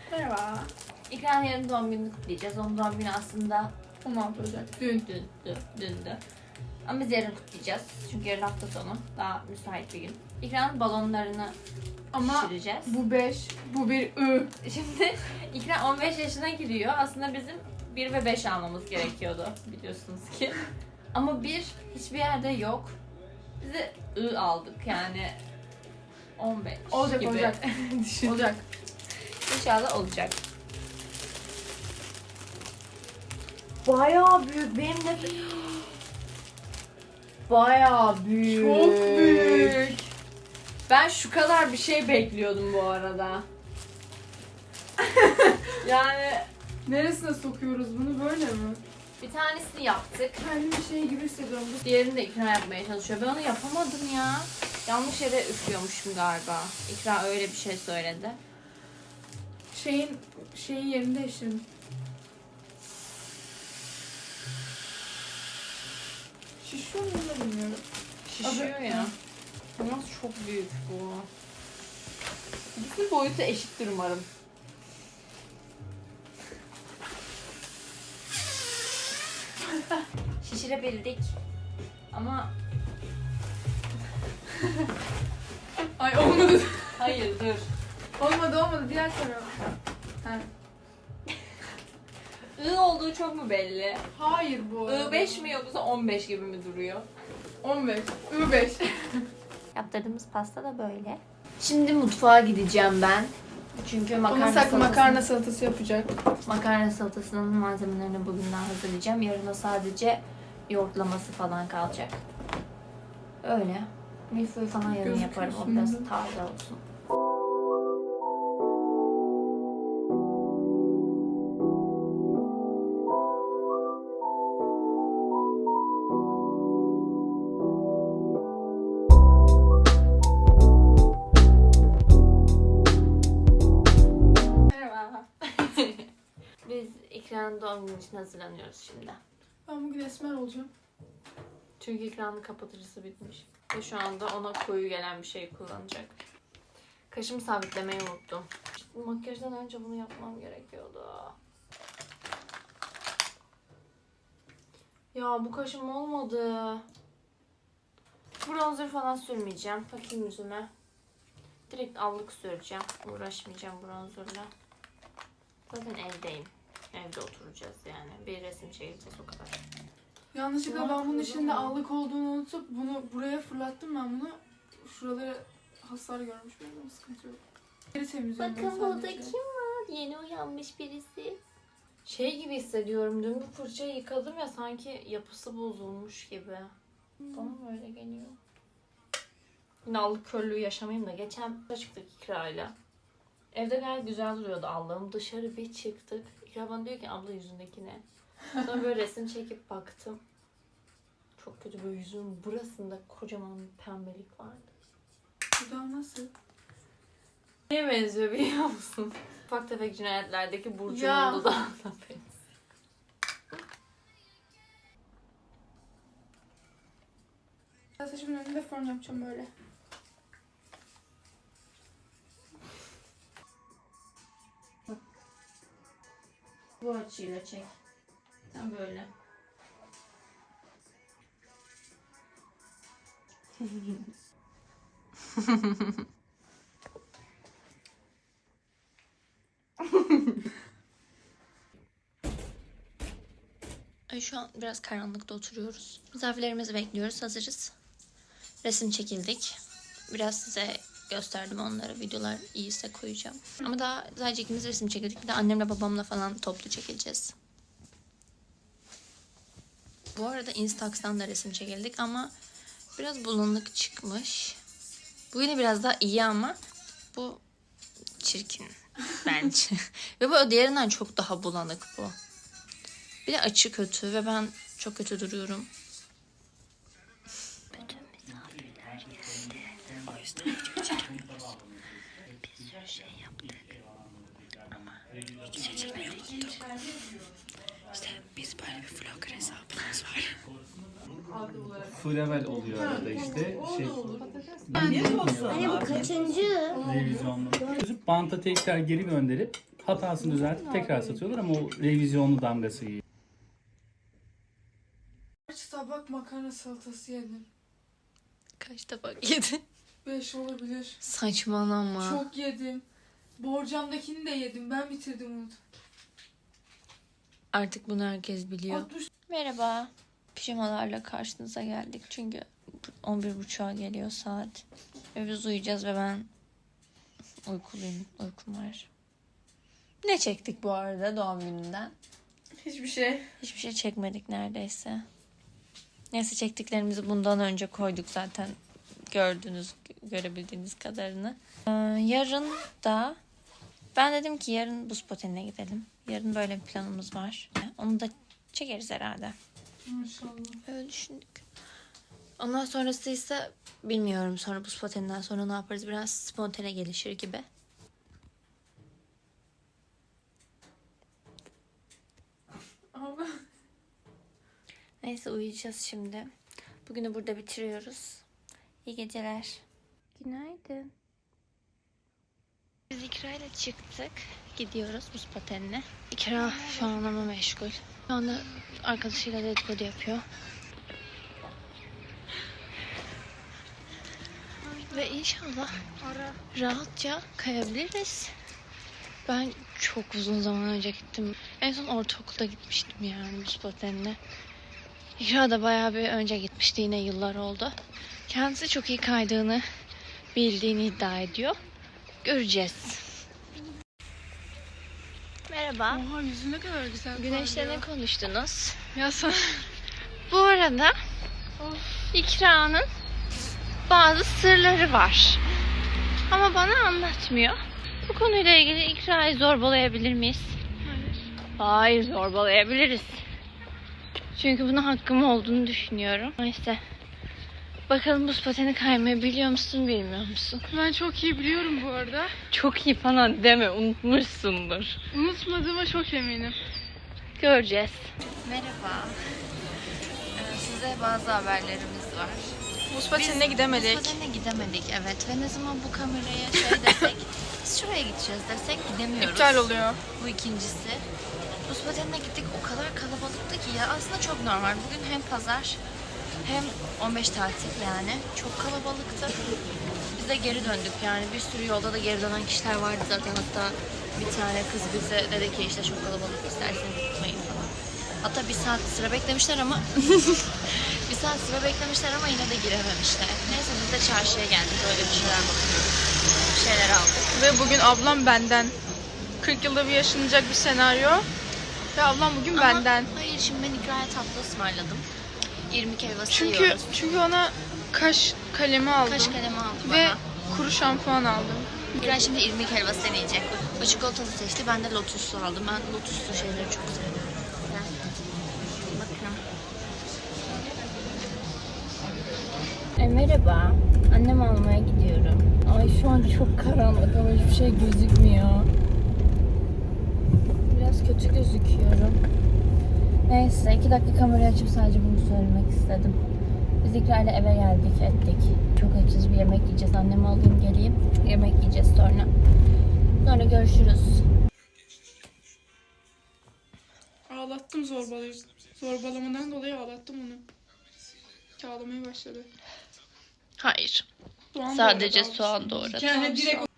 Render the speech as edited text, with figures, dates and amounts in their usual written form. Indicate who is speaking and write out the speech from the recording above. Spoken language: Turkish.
Speaker 1: Merhaba.
Speaker 2: İkram yarın doğum gününü kutlayacağız. Onun doğum günü aslında
Speaker 1: 16 Ocak.
Speaker 2: dündü. Ama biz yarın kutlayacağız. Çünkü yarın hafta sonu. Daha müsait bir gün. İkram'ın balonlarını şişireceğiz.
Speaker 1: Bu 5, bu bir ı.
Speaker 2: Şimdi İkram 15 yaşına giriyor. Aslında bizim 1 ve 5 almamız gerekiyordu. Biliyorsunuz ki. Ama 1 hiçbir yerde yok. Biz de I aldık yani 15
Speaker 1: Olacak,
Speaker 2: gibi.
Speaker 1: olacak.
Speaker 2: Düşün.
Speaker 1: Olacak.
Speaker 2: İnşallah olacak. Bayağı büyük. Benim de bayağı büyük.
Speaker 1: Çok büyük.
Speaker 2: Ben şu kadar bir şey bekliyordum bu arada. Yani
Speaker 1: Neresine sokuyoruz bunu, böyle mi?
Speaker 2: bir tanesini yaptık.
Speaker 1: Kendimi şey gibi hissediyorum.
Speaker 2: Diğerini de ikna yapmaya çalışıyor. Ben onu yapamadım ya. Yanlış yere üflüyormuşum galiba. İkra öyle bir şey söyledi.
Speaker 1: Şeyin yerini değiştirdim. Şişiyor mu da bilmiyorum.
Speaker 2: Şişiyor ya. Ama çok büyük bu. Bütün boyutu eşittir umarım. Şişirebildik. Ama
Speaker 1: Ay olmadı.
Speaker 2: hayır dur.
Speaker 1: olmadı. Diğer tarafa. Ha.
Speaker 2: I olduğu çok mu belli?
Speaker 1: Hayır bu arada.
Speaker 2: I5 mi yoksa 15 gibi mi duruyor?
Speaker 1: 15. I5.
Speaker 2: Yaptırdığımız pasta da böyle. Şimdi mutfağa gideceğim ben. Çünkü
Speaker 1: Makarna salatası yapacak.
Speaker 2: makarna salatasının malzemelerini bugünden hazırlayacağım. Yarın da sadece yoğurtlaması falan kalacak. Öyle. Milföy falan yarın yaparım. O biraz
Speaker 1: Gözüküyorsun.
Speaker 2: taze olsun.
Speaker 1: Merhaba.
Speaker 2: Biz İkram'ın doğum günü için hazırlanıyoruz şimdi.
Speaker 1: Ben bugün esmer olacağım.
Speaker 2: Çünkü İkram'ın kapatıcısı bitmiş. Ve şu anda ona koyu gelen bir şey kullanacak. Kaşımı sabitlemeyi unuttum. Makyajdan önce bunu yapmam gerekiyordu. Ya bu kaşım olmadı. Bronzer falan sürmeyeceğim. Bakayım yüzüme. Direkt allık süreceğim. Uğraşmayacağım bronzerla. Zaten evdeyim. Evde oturacağız yani. Bir resim çekeceğiz o kadar.
Speaker 1: Yanlışlıkla ben bunun içinde allık olduğunu unutup bunu buraya fırlattım ben bunu. Şuralara hasar görmüş benim, sıkıntı yok. Geri temizliyorum ben
Speaker 2: Bakın burada
Speaker 1: sadece.
Speaker 2: kim var? Yeni uyanmış birisi. Şey gibi hissediyorum. Dün bu fırçayı yıkadım ya, sanki yapısı bozulmuş gibi. Bana mı öyle geliyor? Yine allık körlüğü yaşamayayım da. Geçen çıktık İkra'yla. Evde gayet güzel duruyordu allığım. Dışarı bir çıktık. İkra bana diyor ki abla yüzündeki ne? Sonra böyle resim çekip baktım. Çok kötü, böyle yüzümün burasında kocaman bir pembelik vardı.
Speaker 1: Buradan nasıl?
Speaker 2: Neye benziyor biliyor musun? Ufak tefek cinayetlerdeki
Speaker 1: Ya.
Speaker 2: Burcu'nun dudağına benziyor.
Speaker 1: Saçımın önünde fön yapacağım böyle.
Speaker 2: Bu açıyla çek. Tam böyle. Şu an biraz karanlıkta oturuyoruz. Misafirlerimizi bekliyoruz. Hazırız. Resim çekildik. Biraz size gösterdim onları. Videolar iyiyse koyacağım. Ama daha sadece ikimiz resim çekildik. Bir de annemle babamla falan toplu çekileceğiz. Bu arada Instax'tan da resim çekildik ama biraz bulanık çıkmış. Bu yine biraz daha iyi ama bu çirkin bence. Ve bu diğerinden çok daha bulanık bu. Bir de açı kötü ve ben çok kötü duruyorum. Bütün misafirler geldi. O yüzden video çekemiyoruz. Bir sürü şey yaptık. Ama hiç çekmeyi unuttuk. İşte biz böyle bir vlogger hesabımız var.
Speaker 3: Full oluyor arada işte.
Speaker 4: Hani bu kaçıncı?
Speaker 3: Revizyonlu. Çözüp banta tekrar geri gönderip Hatasını düzeltip tekrar satıyorlar ama o revizyonlu damgası iyi.
Speaker 1: Kaç tabak makarna salatası yedim?
Speaker 2: Kaç tabak yedin?
Speaker 1: 5 olabilir.
Speaker 2: Saçmalama.
Speaker 1: Çok yedim. Borcamdakini de yedim. Ben bitirdim onu.
Speaker 2: Artık bunu herkes biliyor.
Speaker 1: 60.
Speaker 2: Merhaba. Pijamalarla karşınıza geldik. Çünkü 11.30'a geliyor saat. Ve biz uyuyacağız ve ben uykuluyum. Uykum var. Ne çektik bu arada doğum gününden?
Speaker 1: Hiçbir şey.
Speaker 2: Hiçbir şey çekmedik neredeyse. Neyse çektiklerimizi bundan önce koyduk zaten. Görebildiğiniz kadarını. Yarın da ben dedim ki yarın buz patenine gidelim. Yarın böyle bir planımız var. Onu da çekeriz herhalde.
Speaker 1: Maşallah.
Speaker 2: Öyle düşündük. Ondan sonrası ise bilmiyorum. Sonra buz pateninden sonra ne yaparız? Biraz spontane gelişir gibi.
Speaker 1: Ama
Speaker 2: Neyse uyuyacağız şimdi. Bugünü burada bitiriyoruz. İyi geceler. Günaydın. Biz İkra ile çıktık. Gidiyoruz buz patenine. İkra şu an ama meşgul. Şu anda arkadaşıyla dedikodu yapıyor. Ve inşallah rahatça kayabiliriz. Ben çok uzun zaman önce gittim. En son ortaokulda gitmiştim yani buz patenine. İkra da bayağı bir önce gitmişti, yine yıllar oldu. Kendisi çok iyi kaydığını bildiğini iddia ediyor. Göreceğiz. Merhaba.
Speaker 1: oha yüzü ne kadar güzel.
Speaker 2: Güneşle ne
Speaker 1: parlıyor.
Speaker 2: konuştunuz?
Speaker 1: Ya sen.
Speaker 2: Bu arada İkra'nın bazı sırları var. Ama bana anlatmıyor. Bu konuyla ilgili İkra'yı zorbalayabilir miyiz? Hayır, zorbalayabiliriz. Çünkü buna hakkım olduğunu düşünüyorum. Neyse. Bakalım buz pateni kaymayı biliyor musun, bilmiyor musun?
Speaker 1: Ben çok iyi biliyorum bu arada.
Speaker 2: Çok iyi falan deme, unutmuşsundur.
Speaker 1: Unutmadığıma çok eminim.
Speaker 2: Göreceğiz. Merhaba. Size bazı haberlerimiz var.
Speaker 1: Buz patenine gidemedik.
Speaker 2: Buz patenine gidemedik, evet. Ve ne zaman bu kameraya şey desek, biz şuraya gideceğiz desek gidemiyoruz.
Speaker 1: İptal oluyor.
Speaker 2: Bu ikincisi. Buz patenine gittik, o kadar kalabalıktı ki ya aslında çok normal. Bugün hem pazar hem 15 tatil yani. Çok kalabalıktı. Biz de geri döndük yani. Bir sürü yolda da geri dönen kişiler vardı zaten. Hatta bir tane kız bize dedi ki işte çok kalabalık, isterseniz gitmeyin falan. Hatta bir saat sıra beklemişler ama bir saat sıra beklemişler ama yine de girememişler. Neyse biz de çarşıya geldik. Öyle bir şeyler bakıyoruz. Bir şeyler aldık.
Speaker 1: Ve bugün ablam benden. 40 yılda bir yaşanacak bir senaryo. Ve ablam bugün
Speaker 2: Ama
Speaker 1: benden.
Speaker 2: hayır, şimdi ben İkra'ya tatlı ısmarladım. 20 helvası
Speaker 1: Çünkü
Speaker 2: yiyoruz.
Speaker 1: ona kaş kalemi aldım.
Speaker 2: Kaş kalemi aldı bana.
Speaker 1: Ve kuru şampuan aldım.
Speaker 2: İkra şimdi irmik helvası deneyecek. O çikolatalı seçti. Ben de lotuslu aldım. Ben lotuslu şeyleri çok seviyorum. Bakın. Merhaba. Annem almaya gidiyorum. Ay şu an çok karanlık ama hiçbir şey gözükmüyor. Biraz kötü gözüküyorum. Neyse 2 dakika kamerayı açıp sadece bunu söylemek istedim. Biz İkra ile eve geldik ettik. Çok açız, bir yemek yiyeceğiz. Annemi alayım geleyim. Yemek yiyeceğiz sonra. Sonra görüşürüz.
Speaker 1: Ağlattım zorbalamadan dolayı ağlattım onu. Ağlamaya başladı.
Speaker 2: Hayır.
Speaker 1: Soğan
Speaker 2: Sadece
Speaker 1: doğradı,
Speaker 2: soğan
Speaker 1: aldı.
Speaker 2: doğradı.
Speaker 1: Yani direkt